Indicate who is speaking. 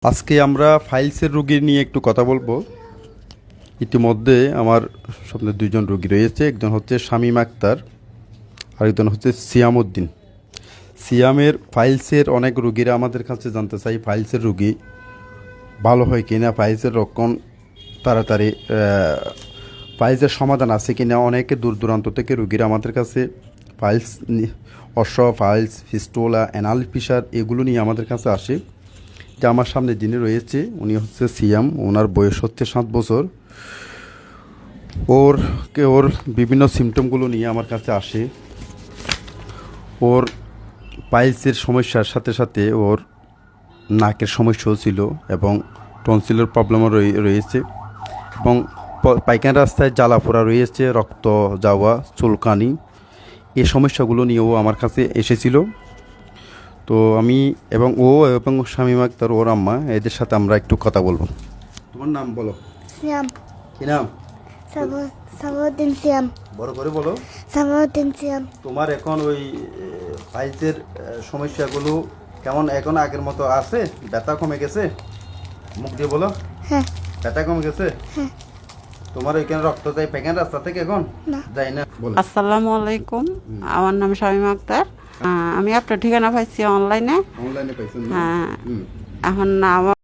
Speaker 1: আজকে আমরা ফাইলসের রোগী নিয়ে একটু কথা বলবো। ইতিমধ্যে আমার সামনে দুইজন রোগী রয়েছে, একজন হচ্ছে শামীম আক্তার, আরেকজন হচ্ছে সিয়াম উদ্দিন। সিয়ামের ফাইলসের অনেক রোগীরা আমাদের কাছে জানতে চাই ফাইলসের রোগী ভালো হয় কি না, ফাইলসের রক্ষণ তাড়াতাড়ি ফাইলসের সমাধান আছে কি না। অনেকে দূর দূরান্ত থেকে রোগীরা আমাদের কাছে piles piles fistula anal fissure এগুলো নিয়ে আমাদের কাছে আসে। যে আমার সামনে যিনি রয়েছে উনি হচ্ছে সিয়াম, ওনার বয়স হচ্ছে 7 বছর। ওর বিভিন্ন সিমটমগুলো নিয়ে আমার কাছে আসে। ওর পাইলসের সমস্যার সাথে সাথে ওর নাকের সমস্যাও ছিল এবং টনসিলের প্রবলেমও রয়েছে এবং পায়খানা রাস্তায় জ্বালাপোড়া রয়েছে, রক্ত যাওয়া, চুলকানি, এই সমস্যাগুলো নিয়েও আমার কাছে এসেছিল। তো আমি এবং শামীম আক্তার ওর আম্মা এদের সাথে আমরা একটু কথা বলবো। তোমার নাম বলো।
Speaker 2: সিয়াম।
Speaker 1: কি নাম?
Speaker 2: সামাউদ্দিন সিয়াম।
Speaker 1: বড় করে বলো।
Speaker 2: সামাউদ্দিন সিয়াম।
Speaker 1: তোমার এখন ওই ফাইলসের সমস্যাগুলো কেমন এখন আগের মতো আছে? ব্যথা কমে গেছে? মুখ দিয়ে বলো।
Speaker 2: হ্যাঁ।
Speaker 1: ব্যথা কমে গেছে?
Speaker 2: হ্যাঁ।
Speaker 1: তোমার ওইখানে রক্ত যায় পায়খানা রাস্তা থেকে এখন?
Speaker 2: না।
Speaker 1: যাই না। বলো।
Speaker 3: আসসালামু আলাইকুম, আমার নাম শামীম আক্তার। আমি আপনার ঠিকানা পাইছি অনলাইনে।
Speaker 1: অনলাইনে পাইছেন না?
Speaker 3: হ্যাঁ।
Speaker 1: হুম।
Speaker 3: এখন আমার